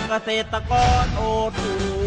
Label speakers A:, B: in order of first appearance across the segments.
A: เกษตรกรโอทู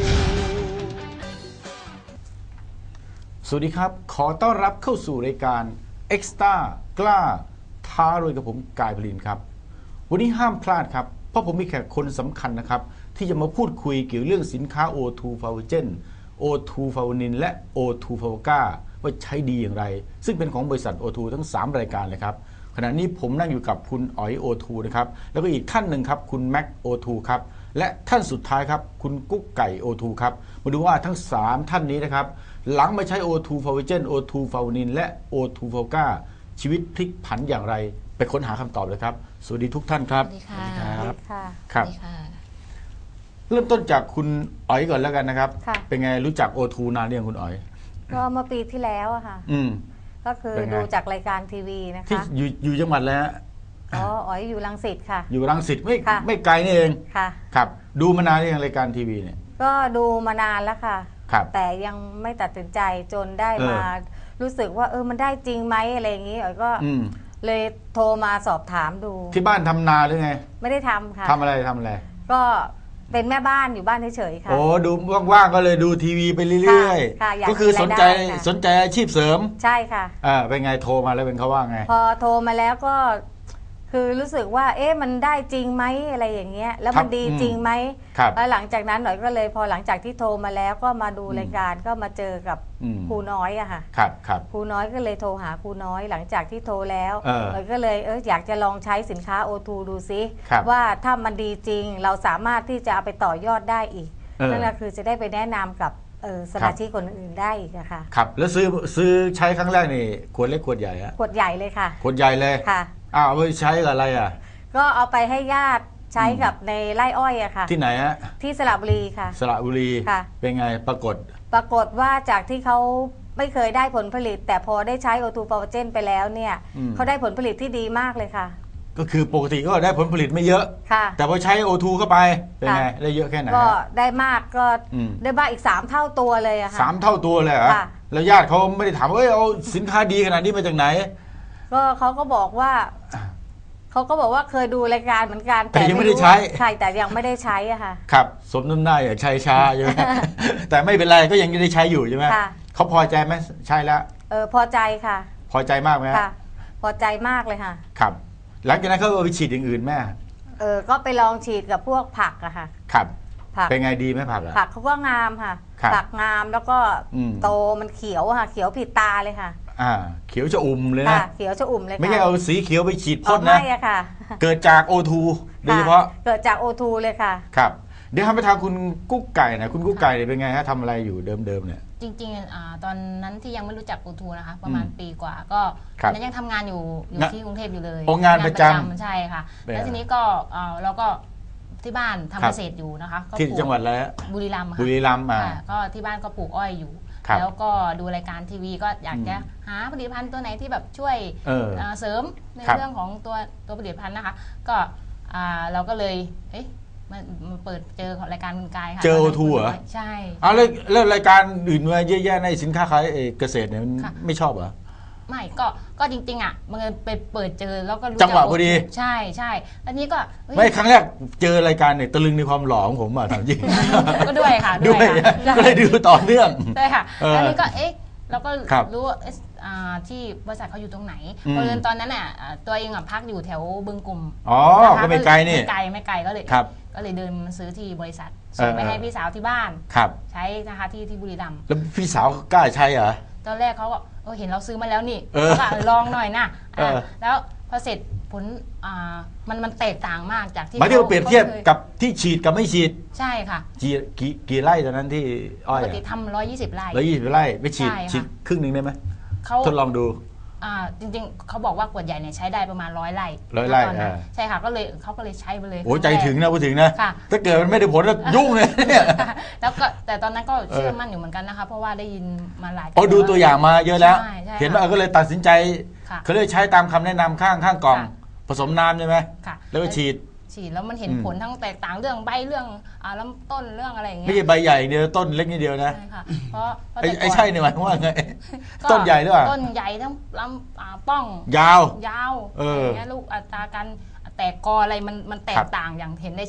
B: สวัสดีครับขอต้อนรับเข้าสู่รายการ Extra กล้าท้ารวยกับผมกายพลินครับวันนี้ห้ามพลาดครับเพราะผมมีแขกคนสำคัญนะครับที่จะมาพูดคุยเกี่ยวเรื่องสินค้า O2 f a v o g e n O2 f a v o n i n และ O2 f a v o g a ว่าใช้ดีอย่างไรซึ่งเป็นของบริษัท O2 ทั้ง3รายการเลยครับขณะนี้ผมนั่งอยู่กับคุณอ๋อย O2 นะครับแล้วก็อีกท่านหนึ่งครับคุณแม็ก O2 ครับและท่านสุดท้ายครับคุณกุ๊กไก่ O2 ครับมาดูว่าทั้ง3ท่านนี้นะครับหลังมาใช้ O2 f a v o g e n O2 f a v o n i n และ O2 f a v o g a ชีวิตพลิกผันอย่างไรไปค้นหาคำตอบเลยครับสวัสดีทุกท่านครับ
C: สวัสดีค่ะ
B: ครับเริ่มต้นจากคุณอ๋อยก่อนแล้วกันนะครับเป็นไงรู้จัก O2 นานหรือยังคุณอ๋อย
C: ก็เมื่อปีที่แล้วอะค่ะก็คือดูจากรายการทีวีนะคะ
B: ที่อยู่จังหวัดแล้ว
C: อ๋ออยู่รังสิตค่ะ
B: อยู่รังสิตไม่ไกลนี่เอง
C: ค่ะ
B: ครับดูมานานหรือยังรายการทีวีเนี่ย
C: ก็ดูมานานแล้วค่ะแต่ยังไม่ตัดสินใจจนได้มารู้สึกว่ามันได้จริงไหมอะไรอย่างนี้อ๋อยก็เลยโทรมาสอบถามดู
B: ที่บ้านทำนาหรือไง
C: ไม่ได้ทำค่ะ
B: ทำอะไร
C: ก็เป็นแม่บ้านอยู่บ้านเฉยๆค่ะ
B: โอ้ดูว่างๆก็เลยดูทีวีไปเรื่อยๆก็คือสนใจอาชีพเสริม
C: ใช่ค่ะ
B: เป็นไงโทรมาแล้วเป็นเขาว่าไง
C: พอโทรมาแล้วก็คือรู้สึกว่ามันได้จริงไหมอะไรอย่างเงี้ยแล้วมันดีจริงไหมแล้วหลังจากนั้นหน่อยก็เลยพอหลังจากที่โทรมาแล้วก็มาดูรายการก็มาเจอกับครูน้อยอะค่ะครูน้อยก็เลยโทรหาครูน้อยหลังจากที่โทรแล้วหน่อยก็เลยอยากจะลองใช้สินค้า O2 ดูซิว่าถ้ามันดีจริงเราสามารถที่จะเอาไปต่อยอดได้อีกนั่นแหละคือจะได้ไปแนะนำกับสมาชิกคนอื่นได้อีกอะค่ะ
B: ครับแล้วซื้อใช้ครั้งแรกนี่ขวดเล็กขวดใหญ่ฮะ
C: ขวดใหญ่เลยค่ะ
B: ขวดใหญ่เลย
C: ค่ะ
B: เอาไปใช้กับอะไรอ่ะ
C: ก็เอาไปให้ญาติใช้กับในไร่อ้อยอะค่ะ
B: ที่ไหนฮะ
C: ที่สระบุรีค่ะ
B: สระบุรี
C: ค่ะ
B: เป็นไงปราก
C: ฏว่าจากที่เขาไม่เคยได้ผลผลิตแต่พอได้ใช้ O2 f a v o g e n ไปแล้วเนี่ยเขาได้ผลผลิตที่ดีมากเลยค่ะ
B: ก็คือปกติก็ได้ผลผลิตไม่เยอะแต่พอใช้ O2 เข้าไปเป็นไงได้เยอะแค่ไหน
C: ก็ได้มากก็ได้มากอีก3เท่าตัวเลยอะค่ะ
B: 3เท่าตัวเลยเหรอแล้วญาติเขาไม่ได้ถามว่าเอาสินค้าดีขนาดนี้มาจากไหน
C: ก็เขาก็บอกว่าเคยดูรายการเหมือนกัน
B: แต่ยังไม่ได้ใช้
C: ใช่แต่ยังไม่ได้ใช้อะค่ะ
B: ครับสมน้ำหน้าอยากใช้ช้าใช่ไหมแต่ไม่เป็นไรก็ยังได้ใช้อยู่ใช่ไหมเขาพอใจไหมใช่แล้ว
C: พอใจค่ะ
B: พอใจมากไหม
C: ค่ะพอใจมากเลยค่ะ
B: ครับหลังจากนั้นเขาเอาไปฉีดอย่างอื่นแม่
C: ก็ไปลองฉีดกับพวกผักอะค่ะ
B: ครับผักเป็นไงดีไหมผัก
C: ผักเขาก็งามค่ะผักงามแล้วก็โตมันเขียวค่ะเขียวผิดตาเลยค่ะ
B: เขียวชอุ่มเลยนะ
C: เขียวชอุ่มเลย
B: ไม่ใช่เอาสีเขียวไปฉีดพ่นนะ
C: ไม่ค่ะ
B: เกิดจาก O2 โดยเฉพาะ
C: เกิดจาก O2 เลยค่ะ
B: ครับเดี๋ยวทำไปทางคุณกุ๊กไก่นะคุณกุ๊กไก่เป็นไงฮะทำอะไรอยู่เดิมเนี่ย
D: จริงๆตอนนั้นที่ยังไม่รู้จัก O2 นะคะประมาณปีกว่าก็นั้นยังทำงานอยู่ที่กรุงเทพอยู่เลย
B: งานประจำ
D: ใช่ค่ะแล้วทีนี้ก็เราก็ที่บ้านทำเกษตรอยู่นะคะ
B: ที่จังหวัดอะไร
D: บุรีรัมย์ค่ะ
B: บุรีรัมย์
D: ก็ที่บ้านก็ปลูกอ้อยอยู่แล้วก็ดูรายการทีวีก็อยากจะหาผลิตภัณฑ์ตัวไหนที่แบบช่วยเสริมในเรื่องของตัวผลิตภัณฑ์นะคะก็เราก็เลยมาเปิดเจอของรายการคุณกายค่ะ
B: เจอ O2 เหรอ
D: ใช่
B: แล้วรายการอื่นมาเยอะแยะในสินค้าขายเกษตรเนี่ยไม่ชอบเหรอ
D: ไม่ก็จริงๆมันไปเปิดเจอแล้วก็รู้
B: จังหวะพอดี
D: ใช่อันนี้ก็
B: ไม่ครั้งแรกเจอรายการเนี่ยตะลึงในความหล่อของผมอ่ะถามจริง
D: ก็ด้วยค่ะ
B: ด้วยก็เลยดูต่อเนื่อง
D: ใช่ค่ะอันนี้ก็เราก็รู้ว่าที่บริษัทเขาอยู่ตรงไหนเพราะตอนนั้นน่ะตัวเองพักอยู่แถวบึงกลุ่ม
B: ก็ไม่ไกลนี่
D: ไม่ไกลก็เลยเดินมาซื้อที่บริษัทส่งไปให้พี่สาวที่บ้านใช้นะคะที่บุรีรัมย์
B: แล้วพี่สาวกล้าใช้เหรอ
D: ตอนแรกเขาก็เห็นเราซื้อมาแล้วนี่ก็ลองหน่อยนะแล้วพอเสร็จผลมันแตกต่างมากจากที่
B: หมายถึงเปรียบเทียบกับที่ฉีดกับไม่ฉีด
D: ใช่ค่ะ
B: กี่ไร่ตอนนั้นที่อ้อย
D: ปกติทำ120 ไร่
B: 120 ไร่ไม่ฉีดครึ่งนึงได้ไหมทดลองดู
D: จริงๆเขาบอกว่าขวดใหญ่เนี่ยใช้ได้ประมาณ100 ไร่ใช่ค่ะเขาก็เลยใช้ไปเลย
B: โอ้ใจถึงนะพูดถึงนะถ้าเกิดมันไม่ได้ผลแล้วยุ่งเลยเนี่ย
D: แล้วก็แต่ตอนนั้นก็เชื่อมั่นอยู่เหมือนกันนะคะเพราะว่าได้ยินมาหลาย
B: ดูตัวอย่างมาเยอะแล้วเห็นว่าก็เลยตัดสินใจเขาเลยใช้ตามคำแนะนำข้างกล่องผสมน้ำใช่ไหมแล้วก็ฉีด
D: แล้วมันเห็นผลทั้งแตกต่างเรื่องใบเรื่องลำต้นเรื่องอะไรอย่างเงี้ย
B: ไม่ใช่ใบใหญ่เดียวต้นเล็กนิดเดียวนะ
D: ใช่ค่ะเพราะ
B: ใช่เนี่ยหมายว่าไงต้นใหญ่หรือเปล่า
D: ต้นใหญ่ทั้งลำป้อง
B: ยาว
D: อย่างเงี้ยลูกอัตราการแตกกออะไรมันแตกต่างอย่างเห็นได้ชัด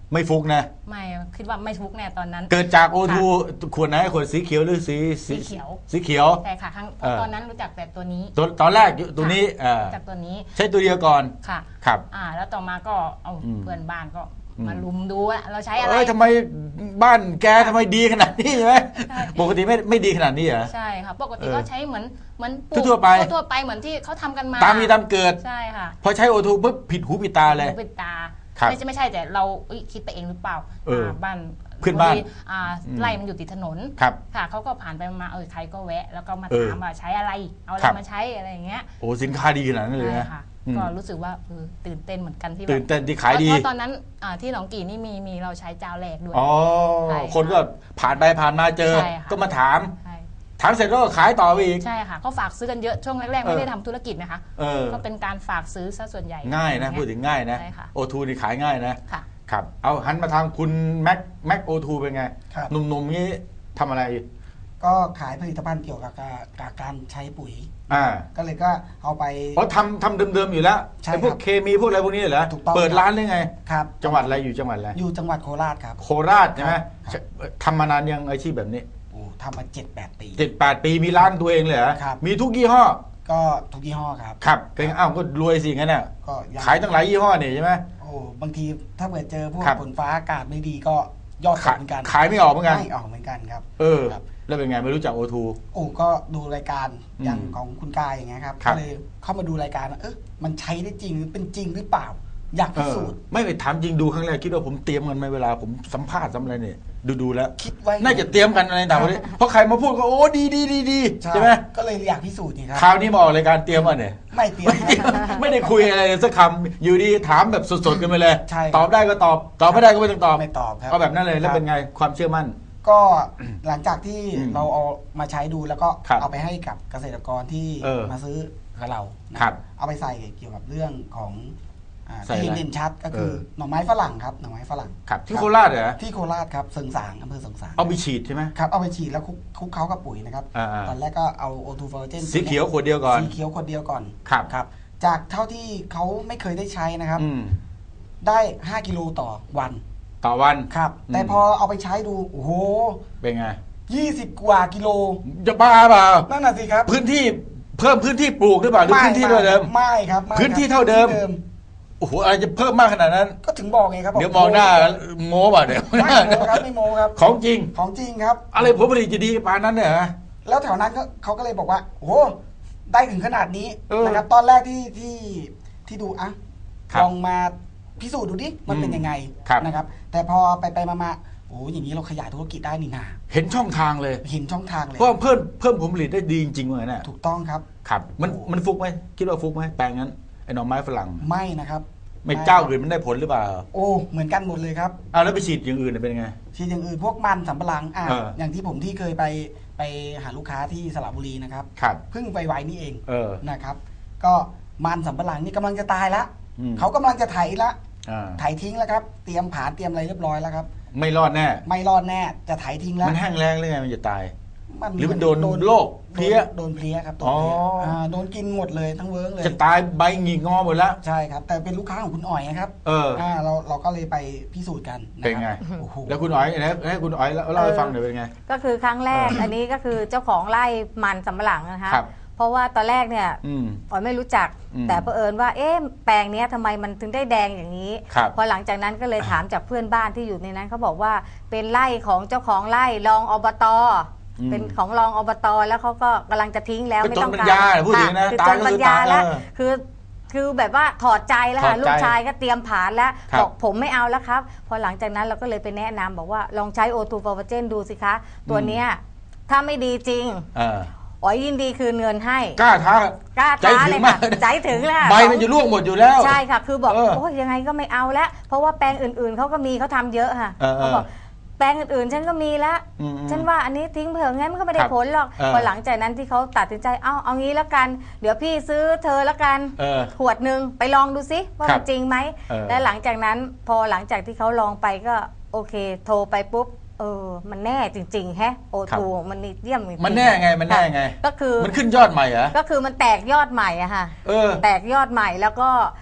B: ไม่ฟุกนะ
D: ไม่คิดว่าไม่ฟุกแน่ตอนนั้น
B: เกิดจากโอทูขวดไหนขวดสีเขียวหรือสี
D: เขียว
B: สีเขียว
D: แต่ค่ะครั้งตอนนั้นรู้จักแต่ตัวนี้
B: ตอนแรกตัวนี้
D: จากตัวนี้
B: ใช้ตัวเดียวก่อน
D: ค่ะ
B: ครับ
D: แล้วต่อมาก็เอาเพื่อนบ้านก็มาลุมดูว่าเราใช้อะไร
B: ทำไมบ้านแกทำไมดีขนาดนี้ใช่ไหมปกติไม่ดีขนาดนี้เหรอ
D: ใช่ค่ะปกติก็ใช้เหมือน
B: ทั่วไป
D: เหมือนที่เขาทำกันมา
B: ตามมีตามเกิด
D: ใช่ค่ะ
B: พอใช้โอทูปุ๊บผิดหูผิดตาเลย
D: ผิดตาไม่ใช่แต่เราคิดไปเองหรือเปล่าบ้าน
B: เพื่อนบ้าน
D: ไร่มันอยู่ติดถนนค่ะเขาก็ผ่านไปมาใครก็แวะแล้วก็มาถามว่าใช้อะไรเอาอะไรมาใช้อะไรอย่างเงี้ย
B: โอ้สินค้าดีขนาดนั้นเลยนะ
D: ก็รู้สึกว่าตื่นเต้นเหมือนกันที่
B: ตื่นเต้นที่ขายดี
D: เพราะตอนนั้นที่หนองกี่นี่มีเราใช้เจ้าแรกด้วย
B: คนก็ผ่านไปผ่านมาเจอก็มาถามเสร็จก็ขายต่อไปอีก
D: ใช่ค่ะเขาฝากซื้อกันเยอะช่วงแรกๆไม่ได้ทำธุรกิจนะคะก็เป็นการฝากซื้อซะส่วนใหญ่
B: ง่ายนะพูดถึงง่ายนะโอทูนี่ขายง่ายนะครับเอาหันมาทางคุณแม็กโอทูเป็นไงหนุ่มๆนี้ทำอะไร
E: ก็ขายผลิตภัณฑ์เกี่ยวกับการใช้ปุ๋ยก็เลยก็เอาไป
B: ทำเดิมๆอยู่แล้วไอ้พวกเคมีพวกอะไรพวกนี้เหรอเปิดร้านได้ไง
E: ครับ
B: จังหวัดอะไรอยู่จังหวัดอะไร
E: อยู่จังหวัดโคราชครับ
B: โคราชใช่ไหมทำมานานยังอาชีพแบบนี้
E: ทำมา 7-8 ปี
B: มีร้านตัวเองเลยเหรอมีทุกยี่ห้อ
E: ก็ทุกยี่ห้อครับ
B: ครับก็รวยสิงั้นน่ะขายตั้งหลายยี่ห้อนี่ใช่ไหม
E: บางทีถ้าเกิดเจอพวกฝนฟ้าอากาศไม่ดีก็ยอดขาดเหมือนกัน
B: ขายไม่ออกเหมือนกัน
E: ไม่ออกเหมือนกันครับ
B: แล้วเป็นไงไม่รู้จักโอทู
E: ก็ดูรายการอย่างของคุณกายอย่างเงี้ยครับก็เลยเข้ามาดูรายการมันใช้ได้จริงหรือเป็นจริงหรือเปล่าอยากพิสูจน์
B: ไม่ไปถามจริงดูครั้งแรกคิดว่าผมเตรียมกันไหมเวลาผมสัมภาษณ์อะไรเนี่ยดูแล้วคิดไว้น่าจะเตรียมกันอะไรต่างๆเพราะใครมาพูดก็โอ้ดีใช่ไหม
E: ก็เลยอยากพิสูจน์นี่ครับ
B: คราวนี้มาออกรายการเตรียมอ่ะเนี่ย
E: ไม่เตรียม
B: ไม่ได้คุยอะไรสักคำอยู่ดีถามแบบสดๆกันไปเลยตอบได้ก็ตอบไม่ได้ก็ไม่ต้องตอบ
E: ไม่ตอบครับ
B: เอาแบบนั้นเลยแล้วเป็นไงความเชื่อมั่น
E: ก็หลังจากที่เราเอามาใช้ดูแล้วก็เอาไปให้กับเกษตรกรที่มาซื้อกับเราเอาไปใส่เกี่ยวกับเรื่องของที่เด่นชัดก็คือหน่อไม้ฝรั่งครับหน่อไม้ฝรั่ง
B: ครับที่โคราชเหรอ
E: ที่โคราชครับเสริงสางอำเภอเสริงสาง
B: เอาไปฉีดใช่ไหม
E: ครับเอาไปฉีดแล้วคลุกเคล้ากับปุ๋ยนะครับตอนแรกก็เอาโอทูฟอร์เจน
B: สีเขียวขวดเดียวก่อน
E: สีเขียวขวดเดียวก่อน
B: ครับ
E: จากเท่าที่เขาไม่เคยได้ใช้นะครับได้5 กิโลต่อวันครับแต่พอเอาไปใช้ดูโอ้โห
B: เป็นไง
E: 20 กว่ากิโล
B: จะบ้าเปล่า
E: นั่นน่ะสิครับ
B: พื้นที่เพิ่มพื้นที่ปลูกหรือเปล่าหรือพื้นที่เท่าเดิม
E: ไม่ครับ
B: พื้นที่เท่าเดิมโอ้โหอะไรจะเพิ่มมากขนาดนั้น
E: ก็ถึงบอกไงครับ
B: เดี๋ยวมองหน้าโม้ป่ะเดี๋ยว
E: ไม่โม้ครับไม่โม้ครับ
B: ของจริง
E: ครับ
B: อะไรผลผลิตจะดีปานนั้นเนี่ย
E: แล้วแถวนั้นเขาก็เลยบอกว่าโอ้ได้ถึงขนาดนี้นะครับตอนแรกที่ดูลองมาพิสูจน์ดูดิมันเป็นยังไงนะครับแต่พอไปมาโอ้อย่างนี้เราขยายธุรกิจได้นี่นา
B: เห็นช่องทางเลยเพราะเพิ่มผลผลิตได้ดีจริงๆเลยนะ
E: ถูกต้องครับ
B: มันฟุกไหมคิดว่าฟุกไหมแปลงนั้นไอ้หน่อไม้ฝรั่ง
E: ไม่นะครับ
B: ไม่เจ้าอื่นมันได้ผลหรือเปล่า
E: เหมือนกันหมดเลยครับ
B: แล้วไปฉีดอย่างอื่นเป็นไง
E: ฉีดอย่างอื่นพวกมันสำปะหลังอย่างที่ผมที่เคยไปหาลูกค้าที่สระบุรีนะครับเพิ่งไปไว้นี่เองนะครับก็มันสำปะหลังนี่กำลังจะตายละเขากำลังจะไถละไถทิ้งแล้วครับเตรียมผาเตรียมอะไรเรียบร้อยแล้วครับ
B: ไม่รอดแน่
E: จะไถทิ้งแล้ว
B: มันแห้งแล้งหรือไงมันจะตายหรือมันโดนโรคเพลี้ย
E: โดนเพลี้ยครับโดนกินหมดเลยทั้งเวิร์กเลย
B: จะตายใบหงิกงอหมดแล้ว
E: ใช่ครับแต่เป็นลูกค้าของคุณอ๋อยนะครับเราก็เลยไปพิสูจน์กัน
B: เป็นไงแล้วคุณอ๋อยให้คุณอ๋อยเล่าให้ฟังหน่อยเป็นไง
C: ก็คือครั้งแรกอันนี้ก็คือเจ้าของไร่มันสำปะหลังนะคะเพราะว่าตอนแรกเนี่ยอ๋อยไม่รู้จักแต่เผอิญว่าแปลงนี้ทำไมมันถึงได้แดงอย่างนี้พอหลังจากนั้นก็เลยถามจากเพื่อนบ้านที่อยู่ในนั้นเขาบอกว่าเป็นไร่ของเจ้าของไร่รองอบต.เป็นของรองอบต.แล้วเขาก็กำลังจะทิ้งแล้วไม่ต้องการ
B: พูดถึงนะ
C: คือจนปัญญาแล้วคือแบบว่าถอดใจแล้วค่ะลูกชายก็เตรียมผานแล้วบอกผมไม่เอาแล้วครับพอหลังจากนั้นเราก็เลยไปแนะนำบอกว่าลองใช้โอทูฟอร์เวอร์เจนดูสิคะตัวเนี้ยถ้าไม่ดีจริงอ๋อยินดีคืนเงินให้
B: กล้าท้า
C: เลยค่ะใจถึงแล้ว
B: ใบมันจะร่วงหมดอยู่แล้ว
C: ใช่ค่ะคือบอกโอ้ยยังไงก็ไม่เอาแล้วเพราะว่าแปลงอื่นๆเขาก็มีเขาทำเยอะค่ะเขาบอกแปลงอื่นๆฉันก็มีแล้วฉันว่าอันนี้ทิ้งเผื่องั้นมันก็ไม่ได้ผลหรอกพอหลังจากนั้นที่เขาตัดสินใจเอางี้แล้วกันเดี๋ยวพี่ซื้อเธอแล้วกันขวดหนึ่งไปลองดูซิว่ามันจริงไหมและหลังจากนั้นพอหลังจากที่เขาลองไปก็โอเคโทรไปปุ๊บมันแน่จริงๆแฮะโอทูมันเยี่ยมจริง
B: มันแน่ไง
C: ก็คือ
B: มันขึ้นยอดใหม่เหรอ
C: ก็คือมันแตกยอดใหม่อะค่ะแตกยอดใหม่แล้วก็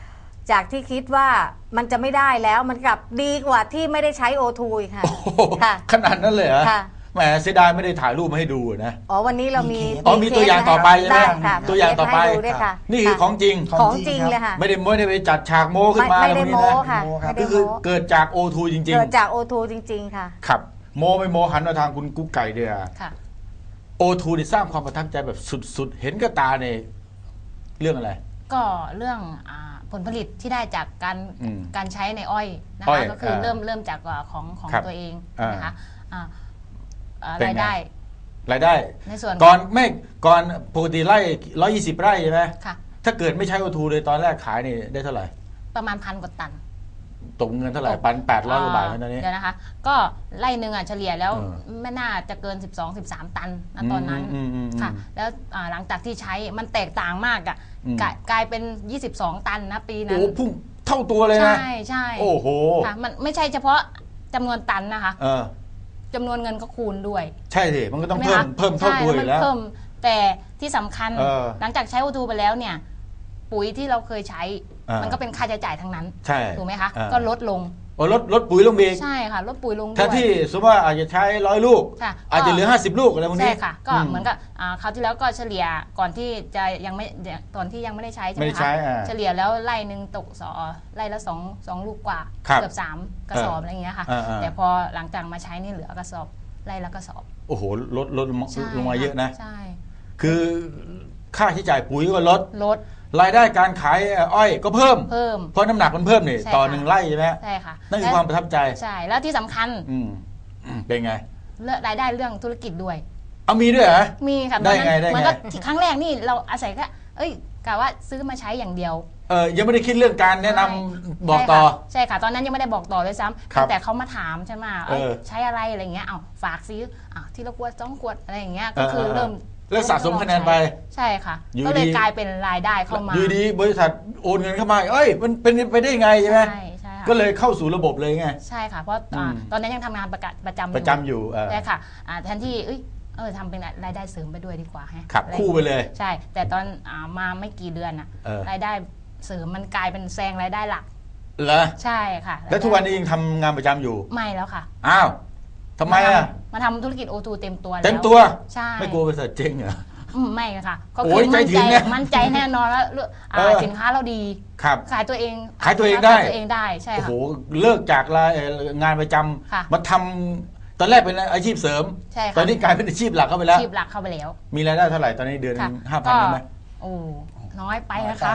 C: จากที่คิดว่ามันจะไม่ได้แล้วมันกลับดีกว่าที่ไม่ได้ใช้โอทูอีกค่ะค่ะ
B: ขนาดนั้นเลยเหรอ
C: ค่ะ
B: แหมเสียดายไม่ได้ถ่ายรูปมาให้ดูนะ
C: อ๋อวันนี้เรามี
B: มีตัวอย่างต่อไปใช่ไหมตัวอย่างต่อไปนี่คือของจริง
C: ของจริงเลยค่ะ
B: ไม่ได้ไปจัดฉากโม้ขึ้นมา
C: ไม่ได้โม้ค่ะ
B: ก็คือเกิดจากโอทูจริงๆ
C: เกิดจากโอทูจริงๆค่ะ
B: ครับโม้ไม่โม้หันมาทางคุณกุ๊กไก่เดียโอทูได้สร้างความประทับใจแบบสุดๆเห็นกับตาในเรื่องอะไร
D: ก็เรื่องผลผลิตที่ได้จากการใช้ในอ้อยนะคะก็คือเริ่มจากของตัวเองนะคะรายได้ในส่วน
B: ก่อนปกติไร่120 ไร่ใช่ไหมถ้าเกิดไม่ใช้โอทูเลยตอนแรกขายนี่ได้เท่าไหร่
D: ประมาณ1,000 กว่าตัน
B: ตกเงินเท่าไหร่800 กว่าบาทตอนนี้
D: เดี๋ยวนะคะก็ไร่หนึ่งเฉลี่ยแล้วไม่น่าจะเกิน12-13 ตันตอนนั้นค่ะแล้วหลังจากที่ใช้มันแตกต่างมากกลายเป็น22 ตันนะปีนั้น
B: โอ้พุ่งเท่าตัวเลยนะ
D: ใช่
B: โอ้โห
D: ค่ะมันไม่ใช่เฉพาะจำนวนตันนะคะจำนวนเงินก็คูณด้วย
B: ใช่สิมันก็ต้องเพิ่มเท่าตัวอยู่แล้ว
D: แต่ที่สำคัญหลังจากใช้โอทูไปแล้วเนี่ยปุ๋ยที่เราเคยใช้มันก็เป็นค่าใช้จ่ายทั้งนั้นถูกไหมคะก็ลดลง
B: ลดปุ๋ยลงอีก
D: ใช่ค่ะลดปุ๋ยลง
B: ถ้าที่สมมติว่าอาจจะใช้100 ลูกอาจจะเหลือ50 ลูกอะไรพวกนี้
D: ใช่ค่ะก็เหมือนกับคราวที่แล้วก็เฉลี่ยก่อนที่จะยังไม่ตอนที่ยังไม่ได้ใช้ใช่ไหมคะเฉลี่ยแล้วไร่หนึ่งตกไร่ละ2 ลูกกว่าเกือบ3 กระสอบอะไรอย่างเงี้ยค่ะแต่พอหลังจากมาใช้นี่เหลือกระสอบไร่ละกระสอบ
B: โอ้โหลดลงมาเยอะนะใช่คือค่าใช้จ่ายปุ๋ยก็ลดรายได้การขายอ้อยก็เพิ่มเพราะน้ำหนักมันเพิ่มนี่ต่อ1 ไร่ใช่ไหม
D: ใช่ค่ะ
B: นั่นคือความประทับใจ
D: ใช่แล้วที่สำคัญ
B: เป็นไง
D: รายได้เรื่องธุรกิจด้วย
B: มีด้วยเหรอ
D: มีค่ะ
B: ได้ไง
D: มันก็ครั้งแรกนี่เราอาศัยก็กะว่าซื้อมาใช้อย่างเดียว
B: ยังไม่ได้คิดเรื่องการแนะนำบอกต่อ
D: ใช่ค่ะตอนนั้นยังไม่ได้บอกต่อเลยซ้ำแต่เขามาถามใช่ไหมใช้อะไรอะไรเงี้ยฝากซื้อที่ละขวด2 ขวดอะไรอย่างเงี้ยก็คือเริ่ม
B: สะสมคะแนนไป
D: ใช่ค่ะก็เลยกลายเป็นรายได้เข้ามา
B: อยู่ดีบริษัทโอนเงินเข้ามามันเป็นไปได้ไงใช่ไหมใช่ก็เลยเข้าสู่ระบบเลยไง
D: ใช่ค่ะเพราะตอนนั้นยังทำงานประจำอยู่
B: ใช่
D: ค่ะแทนที่ทำเป็นรายได้เสริมไปด้วยดีกว่า
B: ขับคู่ไปเลย
D: ใช่แต่ตอนมาไม่กี่เดือนรายได้เสริมมันกลายเป็นแซงรายได้หลัก
B: เหรอ
D: ใช่ค่ะ
B: แล้วทุกวันนี้ยังทำงานประจำอยู่
D: ไม่แล้วค่ะ
B: อ้าวทำไม
D: มาทำธุรกิจโอทูเต็มตัวแล้ว
B: เต็มตัว
D: ใช่
B: ไม่กลัวบริษัทเจ๊งเหรอ
D: ไม่ค่ะก็คือมั่นใจแน่นอนแล้วสินค้าเราดีขายตัวเองได้ใช่ค่ะ
B: โอ้โหเลิกจากงานประจำมาทำตอนแรกเป็นอาชีพเสริมตอนนี้กลายเป็นอาชีพหลักเข้าไปแล้ว
D: อาชีพหลักเข้าไปแล้ว
B: มีรายได้เท่าไหร่ตอนนี้เดือน5,000ได้ไหม
D: โอ้น้อยไปนะคะ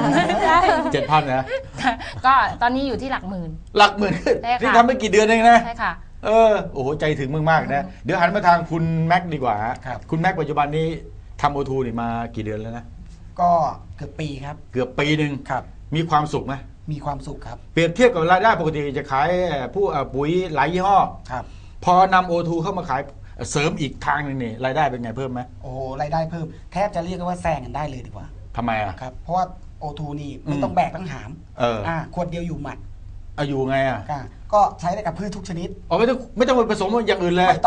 D: 5,000
B: 7,000นะ
D: ก็ตอนนี้อยู่ที่หลักหมื่น
B: นี่ทำไม่กี่เดือนเองนะ
D: ใช่ค่ะ
B: โอ้โหใจถึงมากๆนะเดี๋ยวหันมาทางคุณแม็กดีกว่าคุณแม็กปัจจุบันนี้ทำโอทูนี่มากี่เดือนแล้วนะ
E: ก็เกือบปีครับ
B: เกือบปีหนึ่งมีความสุขไหม
E: มีความสุขครับ
B: เปรียบเทียบกับรายได้ปกติจะขายผู้ปุ๋ยหลายยี่ห้อพอนำโอทูเข้ามาขายเสริมอีกทางหนึ่งนี่รายได้เป็นไงเพิ่มไหม
E: โอ้รายได้เพิ่มแทบจะเรียกว่าแซงกันได้เลยดีกว่า
B: ทำไม
E: ครับเพราะว่าโอทูนี่ไม่ต้องแบกทั้งหามขวดเดียวอยู่หมัด
B: อยู่ไง
E: ก็ใช้ได้กับพืชทุกชนิด
B: ไม่ต้องไปผสมอย่างอื่นเลย